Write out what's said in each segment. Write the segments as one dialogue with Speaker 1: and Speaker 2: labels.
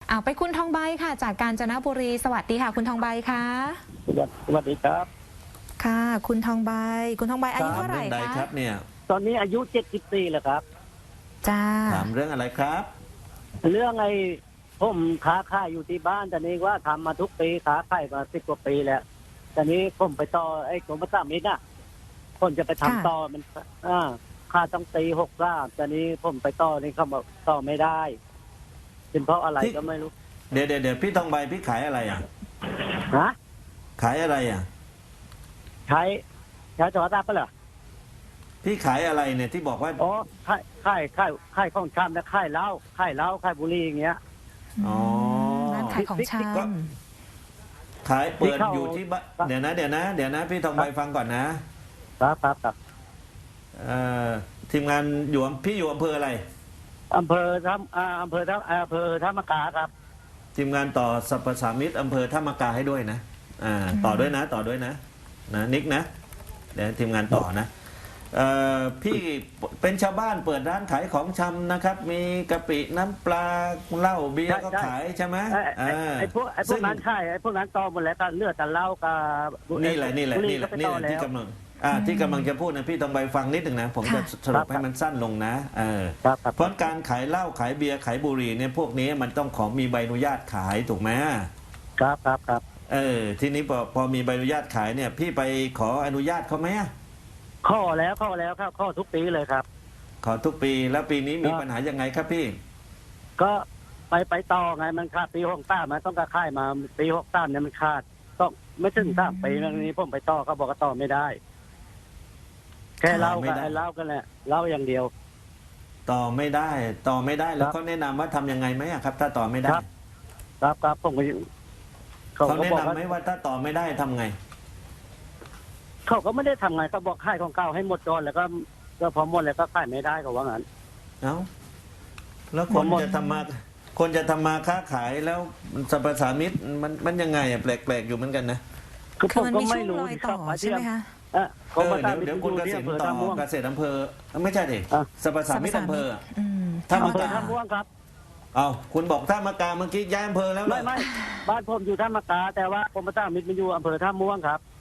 Speaker 1: เอาไปคุณทองใบค่ะจากกาญจนบุรีสวัสดีค่ะคุณทองใบคะ
Speaker 2: สวัสดีครับ
Speaker 1: ค่ะคุณทองใบอายุเท่าไหร่
Speaker 3: ถามเรื่องใด
Speaker 1: คะ
Speaker 3: ครับเนี่ย
Speaker 2: ตอนนี้อายุ74แล้วครับ
Speaker 1: จ้า
Speaker 3: ถามเรื่องอะไรครับ
Speaker 2: เรื่องไอ้ผมค้าขายอยู่ที่บ้านแต่นี้ว่าทำมาทุกปีค้าขายมา10 กว่าปีแล้วแต่นี้ผมไปต่อไอ้กรมประชาสัมพันธ์น่ะคนจะไปทำต่อมันค่าต้องตี63แต่นี้ผมไปต่อนี่เขาบอกต่อไม่ได้เป็นเพราะอะไรก็ไม่รู้
Speaker 3: เดี๋ยวพี่ทองใบพี่ขายอะไรอ่ะ
Speaker 2: ฮะ
Speaker 3: ขายอะไรอ่ะ
Speaker 2: ใช้โทรศัพท์ปะเหรอ
Speaker 3: พี่ขายอะไรเนี่ยที่บอกว่า
Speaker 2: อ๋อขายของชำนะขายเหล้าขายบุหรี่อย่างเงี้ย
Speaker 3: อ๋อ
Speaker 1: ร้านขายของช
Speaker 3: ขายเปิด
Speaker 2: ที่เข้า
Speaker 3: อยู่ที่บ้านเดี๋ยวนะพี่ทองใบฟังก่อนนะครับทีมงานพี่อยู่อำเภออะไร
Speaker 2: อำเภอท่ามะกาครับ
Speaker 3: ทีมงานต่อสรรพสามิตอำเภอท่ามะกาให้ด้วยนะต่อด้วยนะนิกนะเดี๋ยวทีมงานต่อนะพี่เป็นชาวบ้านเปิดร้านขายของชำนะครับมีกะปิน้ำปลาเหล้าเบียร์ก็ขายใช่ไหม
Speaker 2: ไอ้พวกนั้นใช่ไอ้พวกนั้นต่อหมดแล้วก็เลือดแต่เหล้ากับ
Speaker 3: นี่แหละที่กำลังจะพูดนะพี่ต้องไปฟังนิดหนึ่งนะผมจะสรุปให้มันสั้นลงนะเพราะการขายเหล้าขายเบียร์ขายบุหรี่เนี่ยพวกนี้มันต้องขอมีใบอนุญาตขายถูกไหม
Speaker 2: ครับ
Speaker 3: ทีนี้พอมีใบอนุญาตขายเนี่ยพี่ไปขออนุญาตเขาไหม
Speaker 2: ข้อแล้วครับข้อทุกปีเลยครับ
Speaker 3: ขอทุกปีแล้วปีนี้มีปัญหายังไงครับพี่
Speaker 2: ก็ไปต่อไงมันขาดปี63มันต้องกระค่ายมาปี63เนี่ยมันขาดต้องไม่ถึง3 ปีแล้วนี้ผมไปต่อเขาบอกก็ต่อไม่ได้แค่เล่ากันแหละเล่าอย่างเดียว
Speaker 3: ต่อไม่ได้แล้วเขาแนะนำว่าทำยังไงไหมครับถ้าต่อไม่ได้
Speaker 2: ครับผม
Speaker 3: เขาแนะนำไหมว่าถ้าต่อไม่ได้ทำไง
Speaker 2: เขาก็ไม่ได้ทำไงเขาบอกค่ายของเก่าให้หมดก่อนแล้วก็พอหมดแล้วก็ค่ายไม่ได้เขาว่างั้น
Speaker 3: แล้วคนจะทำมาค้าขายแล้วสรรพสามิตมันยังไงแปลกๆอยู่เหมือนกันนะ
Speaker 1: คือมันมีช่วงรอยต่อใช่ไหมคะ
Speaker 3: เดี๋ยวคุณเกษตรต่อเกษตรอำเภอไม่ใช่ดิสรรพสามิตอำเภอ
Speaker 2: ท่ามะกาท่าม่วงครับ
Speaker 3: คุณบอกท่ามะกาเมื่อกี้ย้ายอำเภอแล้ว
Speaker 2: ไม่บ้านผมอยู่ท่ามะกาแต่ว่ากรมประชาสัมพันธ์มันอยู่อำเภอท่าม่วงครับ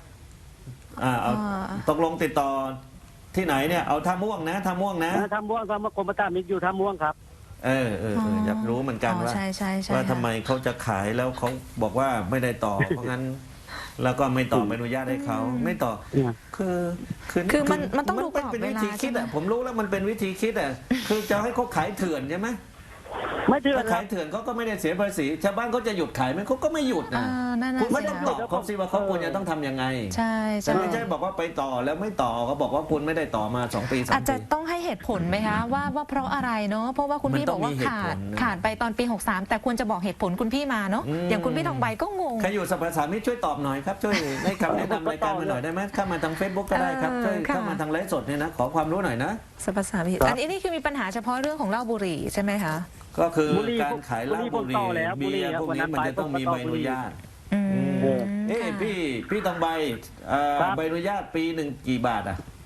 Speaker 3: ตกลงติดต่อที่ไหนเนี่ยเอาท่าม่วงนะท่าม่วง
Speaker 2: กรมประชาสัมพันธ์อยู่ท่าม่วงครับ
Speaker 3: อยากรู้เหมือนกันว่าทำไมเขาจะขายแล้วเขาบอกว่าไม่ได้ต่อเพราะงั้นแล้วก็ไม่ต่อไม่อนุญาตให้เขาไม่ต่อ
Speaker 1: คือมันต้องดูกรอบเวลา
Speaker 3: คิดผมรู้แล้วมันเป็นวิธีคิดคือจะให้เขาขายเถื่อนใช่ไหม
Speaker 2: ไม่เถื่อน
Speaker 3: ขายเถื่อนเขาก็ไม่ได้เสียภาษีชาวบ้านเขาจะหยุดขายไหมเขาก็ไม่หยุดนะคุณไม่ต้องตอบเขาสิว่าเขาควรจะต้องทำยังไง
Speaker 1: ใช่
Speaker 3: แต่ไม่ใช่บอกว่าไปต่อแล้วไม่ต่อเขาบอกว่าคุณไม่ได้ต่อมา2 ปี3 ปี
Speaker 1: อาจจะต้องให้เหตุผลไหมคะว่าเพราะอะไรเนาะเพราะว่าคุณพี่บอกว่าขาดไปตอนปี63แต่ควรจะบอกเหตุผลคุณพี่มาเนาะอย่างคุณพี่ทองใบก็งง
Speaker 3: ใครอยู่สรรพสามิตช่วยตอบหน่อยครับช่วยให้คำแนะนำรายการมาหน่อยได้ไหมเข้ามาทาง Facebook ก็ได้ครับช่วยเข้ามาทางไลฟ์สดเนี่ยนะขอความรู้หน่อยนะ
Speaker 1: สรรพสามิตอันนี้คือมีปัญหาเฉพาะเรื่องของเหล้าบุหรี่ใช่ไหมคะ
Speaker 3: ก็คือการขายเหล้าบุหรี่เบียร์พวกนี้มันจะต้องมีใบอนุญาตพี่ทองใบใบอนุญาตปีหนึ่งกี่บาท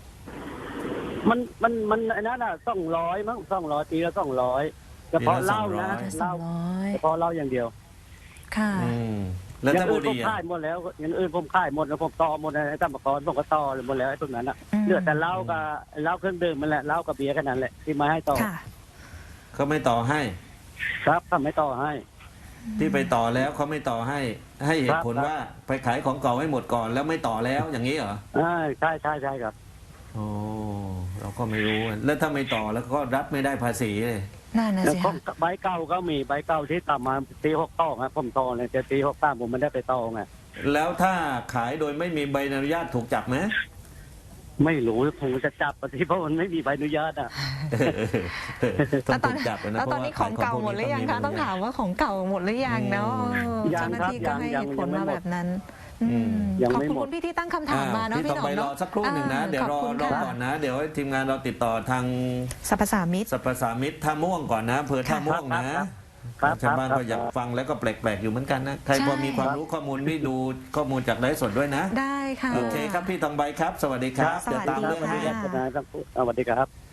Speaker 2: มันอันนั้น200มั้ง200ปีละ200เฉพาะเหล้านะเหล้าเฉพาะเหล้าอย่างเดียว
Speaker 1: ค่ะ
Speaker 3: แล้วถ้าบุหรี่
Speaker 2: ผมขายหมดแล้วอย่างอื่นผมขายหมดแล้วผมต่อหมดในสมกรผมก็ต่อหมดแล้วไอ้พวกนั้นเหลือแต่เหล้ากับเหล้าเครื่องดื่มมันแหละเหล้ากับเบียร์แค่นั้นแหละที่มาให้ต่อ
Speaker 3: เขาไม่ต่อให้
Speaker 2: ครับเขาไม่ต่อให้
Speaker 3: ที่ไปต่อแล้วเขาไม่ต่อให้เหตุผลว่าไปขายของเก่าให้หมดก่อนแล้วไม่ต่อแล้วอย่างนี้เหรอ
Speaker 2: ใช่ครับ
Speaker 3: โอ้เราก็ไม่รู้แล้วถ้าไม่ต่อแล้วก็รับไม่ได้ภาษีเลย
Speaker 1: นั่นนะสิ
Speaker 2: ใบเก่าก็มีใบเก่าที่ต่ำมาปี62ครับผมต่อเลยแต่ปี63ผมไม่ได้ไปต่อไง
Speaker 3: แล้วถ้าขายโดยไม่มีใบอนุญาตถูกจับไหม
Speaker 2: ไม่รู้คงจะจับเพราะมันไม่มีใบอนุญาต
Speaker 3: ต้องถูกจับนะ
Speaker 1: แล้วตอนนี้ของเก่าหมดหรือยังคะต้องถามว่าของเก่าหมดหรือยังเนาะเจ้าหน้าที่ก็ให้เหตุผลมาแบบนั้นขอบคุณพี่ที่ตั้งคำถามมาเนาะพี่หนอม
Speaker 3: เนาะสักครู่หนึ่งนะเดี๋ยวรอก่อนนะเดี๋ยวทีมงานเราติดต่อทาง
Speaker 1: สรรพสามิ
Speaker 3: ตท่าม่วงก่อนนะอำเภอท่าม่วงนะชาวบ้านก็อยากฟังแล้วก็แปลกๆอยู่เหมือนกันนะใครพอมีความรู้ข้อมูลนี่ดูข้อมูลจากไลฟ์สดด้วยนะ
Speaker 1: ได้ค่ะ
Speaker 3: โอเคครับพี่ทองใบครับสวัสดีครับ
Speaker 1: เดี๋ยวตามเรื่องนี้
Speaker 2: สวัสดีครับ